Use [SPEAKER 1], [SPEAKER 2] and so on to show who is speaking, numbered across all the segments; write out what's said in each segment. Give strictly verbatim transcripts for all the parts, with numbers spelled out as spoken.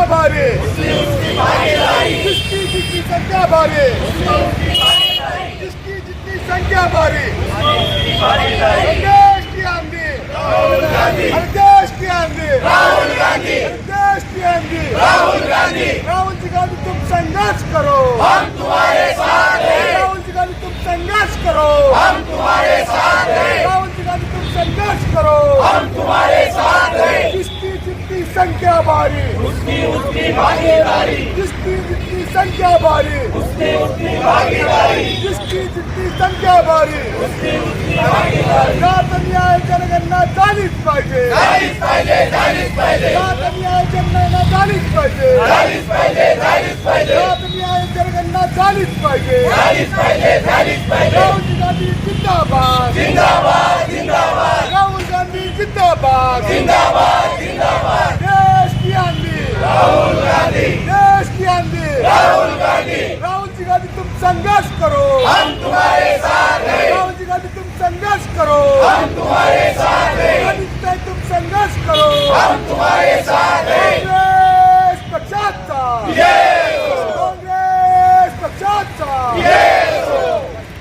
[SPEAKER 1] संख्या भारी, जिसकी जितनी संख्या भारी, जिसकी जितनी संख्या भारी, देश की आंधी, देश की आंधी, देश की आंधी, राहुल गांधी, राहुल जी गांधी तुम संघर्ष करो, हम तुम्हारे साथ हैं, राहुल जी गांधी तुम संघर्ष करो, हम तुम्हारे साथ हैं, राहुल जी गांधी तुम संघर्ष करो, हम तुम्हारे साथ हैं, जिसकी जितनी संख्या भारी, उसकी उतनी भागीदारी, जिसकी जितनी संख्या भारी, उसकी उतनी भागीदारी, जिसकी जितनी संख्या भारी, उसकी उतनी भागीदारी, जात न्याय जनगणना झालीच पाहिजे, झालीच पाहिजे, झालीच पाहिजे, जात न्याय जनगणना झालीच पाहिजे, झालीच पाहिजे, झालीच पाहिजे, जात न्याय जनगणना झालीच पाहिजे, झालीच पाहिजे, झालीच पाहिजे, राहुल गांधी जिंदाबाद, जिंदाबाद, जिंदाबाद, राहुल गांधी जिंदाबाद, जिंदाबाद, जिंदाबाद, देश की आंधी, राहुल गांधी, देश की आंधी, राहुल गांधी, राहुल जी गांधी तुम संघर्ष करो, हम तुम्हारे साथ हैं, राहुल जी गांधी तुम संघर्ष करो, हम तुम्हारे साथ हैं, गांधी तुम संघर्ष करो, हम तुम्हारे साथ हैं, काँग्रेस पक्षाचा विजय हो, काँग्रेस पक्षाचा विजय हो।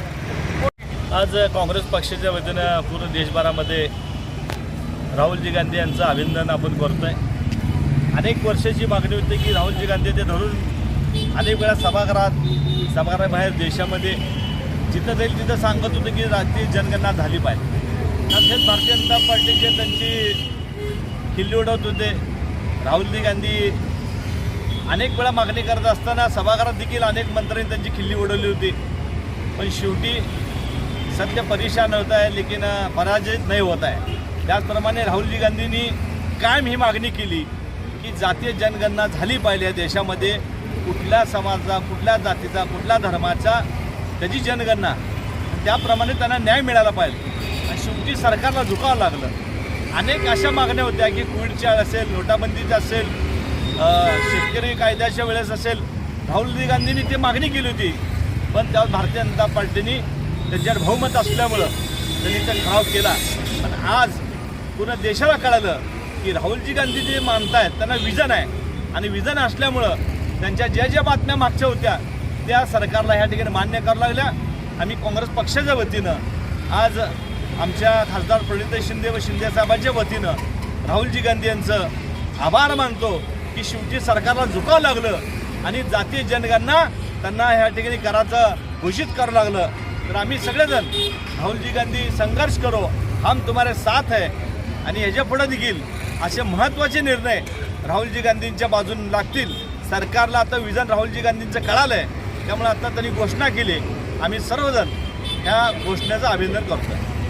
[SPEAKER 2] आज काँग्रेस पक्षाच्या वतीनं पूर्ण देशभरामध्ये राहुलजी गांधी यांचं अभिनंदन आपण करतोय। अनेक वर्षाची मागणी होती की राहुलजी गांधी ते धरून अनेक वेळा सभागृहात सभागृहाबाहेर देशामध्ये जिथं जाईल तिथं सांगत होते की राष्ट्रीय जनगणना झाली पाहिजे। तसेच भारतीय जनता पार्टीचे त्यांची खिल्ली उडवत होते। राहुलजी गांधी अनेक वेळा मागणी करत असताना सभागृहात देखील अनेक मंत्र्यांनी त्यांची खिल्ली उडवली होती, पण शेवटी सत्य परेशान होता है लेकिन पराजित नहीं होता है। त्याचप्रमाणे राहुलजी गांधींनी कायम ही मागणी केली की जातीय जनगणना झाली पाहिजे या देशामध्ये, कुठल्या समाजाचा, कुठल्या जातीचा, कुठल्या धर्माचा त्याची जनगणना, त्याप्रमाणे त्यांना न्याय मिळाला पाहिजे। आणि शेवटी सरकारला झुकावं लागलं। अनेक अशा मागण्या होत्या की कोविडच्या असेल, नोटाबंदीच्या असेल, शेतकरी कायद्याच्या वेळेस असेल, राहुलजी गांधींनी ती मागणी केली होती, पण त्यावर भारतीय जनता पार्टीने त्यांच्यावर बहुमत असल्यामुळं त्यांनी ते ठराव केला। पण आज पूर्ण देशाला कळालं की राहुलजी गांधी जे मानतायत त्यांना विजन आहे, आणि विजन असल्यामुळं त्यांच्या ज्या ज्या बातम्या मागच्या होत्या त्या सरकारला ह्या ठिकाणी मान्य करावं लागल्या। आम्ही काँग्रेस पक्षाच्या वतीनं आज आमच्या खासदार प्रणिती शिंदे व शिंदेसाहेबांच्या वतीनं राहुलजी गांधी यांचं आभार मानतो की शेवटी सरकारला झुकावं लागलं आणि जातीय जनगणना त्यांना ह्या ठिकाणी करायचं घोषित करावं लागलं। तर आम्ही सगळेजण राहुलजी गांधी संघर्ष करो, हम तुम्हारे साथ है, आणि याच्या पुढे देखील असे महत्त्वाचे निर्णय राहुलजी गांधींच्या बाजूने लागतील। सरकारला आता विजन राहुलजी गांधींचं कळालं आहे, त्यामुळे आता त्यांनी घोषणा केली। आम्ही सर्वजण ह्या घोषणेचं अभिनंदन करतो।